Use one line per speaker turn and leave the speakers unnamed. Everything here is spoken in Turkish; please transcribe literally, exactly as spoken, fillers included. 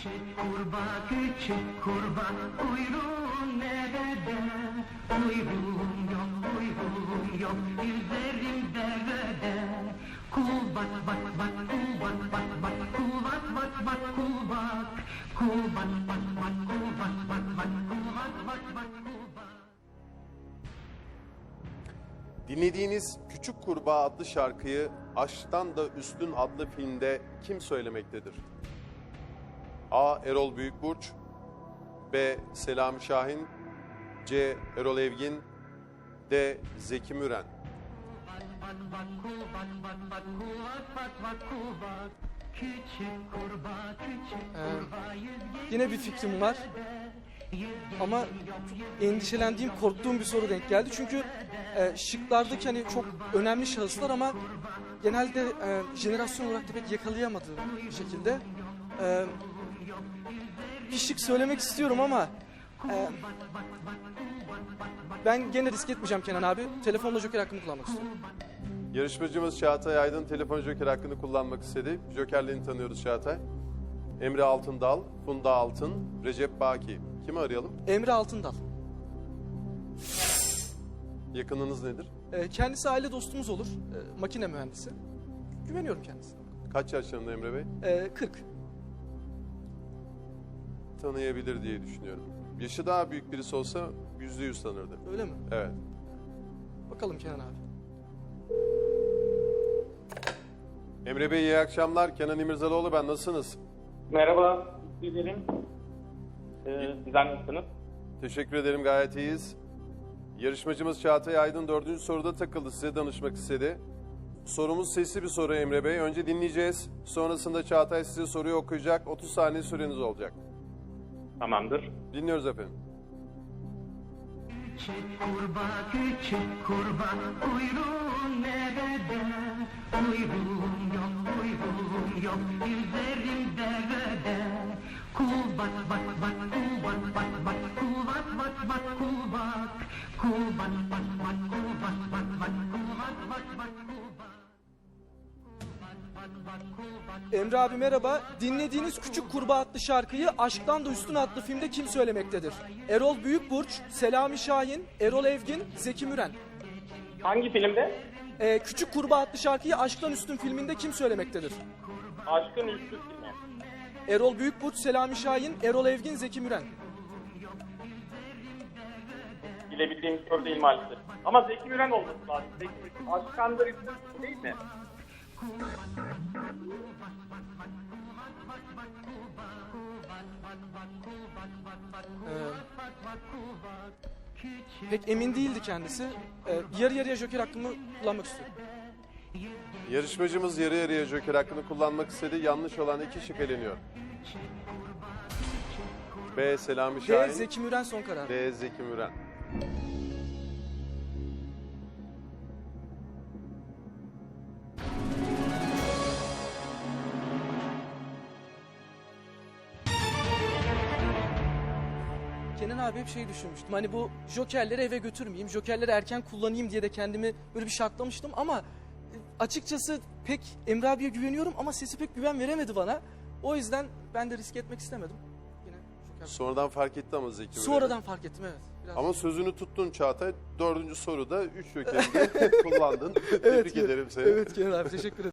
Küçük kurbağa, küçük kurbağa, kuyruğun nerede? Kuyruğum yok, kuyruğum yok, yüzerim derede. Kul bak bak bak, kul bak bak bak, kul bak bak bak, kul bak. Kul bak bak bak, kul bak bak bak, kul bak bak bak, kul bak.
Dinlediğiniz Küçük Kurbağa adlı şarkıyı Aşktan da Üstün adlı filmde kim söylemektedir? A. Erol Büyükburç, B. Selami Şahin, C. Erol Evgin, D. Zeki Müren.
Ee, yine bir fikrim var. Ama çok endişelendiğim, korktuğum bir soru denk geldi. Çünkü e, şıklardaki hani çok önemli şahıslar ama genelde e, jenerasyon olarak da pek yakalayamadığım bir şekilde. E, bir şık söylemek istiyorum ama e, ben gene risk etmeyeceğim Kenan abi. Telefonla joker hakkımı kullanmak istiyorum.
Yarışmacımız Çağatay Aydın telefon joker hakkını kullanmak istedi. Jokerlerini tanıyoruz Çağatay. Emre Altındal, Funda Altın, Recep Baki. Kimi arayalım?
Emre Altındal.
Yakınınız nedir?
E, kendisi aile dostumuz olur. E, makine mühendisi. Güveniyorum kendisine.
Kaç yaşlarında Emre Bey?
E, kırk.
Tanıyabilir diye düşünüyorum. Yaşı daha büyük birisi olsa yüzde yüz tanırdı.
Öyle mi?
Evet.
Bakalım Kenan abi.
Emre Bey iyi akşamlar. Kenan İmirzalıoğlu ben. Nasılsınız?
Merhaba, teşekkür ederim. Ee, sizler nasılsınız?
Teşekkür ederim, gayet iyiyiz. Yarışmacımız Çağatay Aydın dördüncü soruda takıldı. Size danışmak istedi. Sorumuz sesli bir soru Emre Bey. Önce dinleyeceğiz. Sonrasında Çağatay size soruyu okuyacak. otuz saniye süreniz olacak.
Tamamdır.
Dinliyoruz efendim.
Küçük kurbağa, küçük kurbağa, kuyruğun nerede? Kuyruğum yok, kuyruğum yok, yüzerim derede. Kul bak bak bak, kul bak bak bak, kul bak bak bak, kul bak. Kul bak bak bak, kul bak bak bak, kul bak bak bak, kul bak.
Emre abi merhaba. Dinlediğiniz Küçük Kurbağa adlı şarkıyı Aşktan da Üstün adlı filmde kim söylemektedir? Erol Büyükburç, Selami Şahin, Erol Evgin, Zeki Müren.
Hangi filmde?
Ee, Küçük Kurbağa adlı şarkıyı Aşktan Üstün filminde kim söylemektedir?
Aşkın Üstü filmi.
Erol Büyükburç, Selami Şahin, Erol Evgin, Zeki Müren.
Bilebildiğim soru değil maalesef. Ama Zeki Müren olması lazım. Zeki Müren. Aşkandır Üstü değil mi?
Ee, pek emin değildi kendisi. Ee, yarı yarıya joker hakkımı kullanmak istiyorum.
Yarışmacımız yarı yarıya joker hakkını kullanmak istedi. Yanlış olan iki şık eleniyor. B. Selami
D.
Şahin.
Zeki Müren son karar.
D. Zeki Müren.
Kenan abi hep şey düşünmüştüm. Hani bu jokerleri eve götürmeyeyim, jokerleri erken kullanayım diye de kendimi böyle bir şartlamıştım ama e, açıkçası pek Emre abiye güveniyorum ama sesi pek güven veremedi bana. O yüzden ben de risk etmek istemedim. Yine joker.
Sonradan fark etti ama Zeki Müren.
Sonradan fark ettim evet. Biraz...
Ama sözünü tuttun Çağatay. Dördüncü soruda üç jokerini kullandın. Tebrik
Evet,
ederim seni.
Evet Kenan abi teşekkür ederim.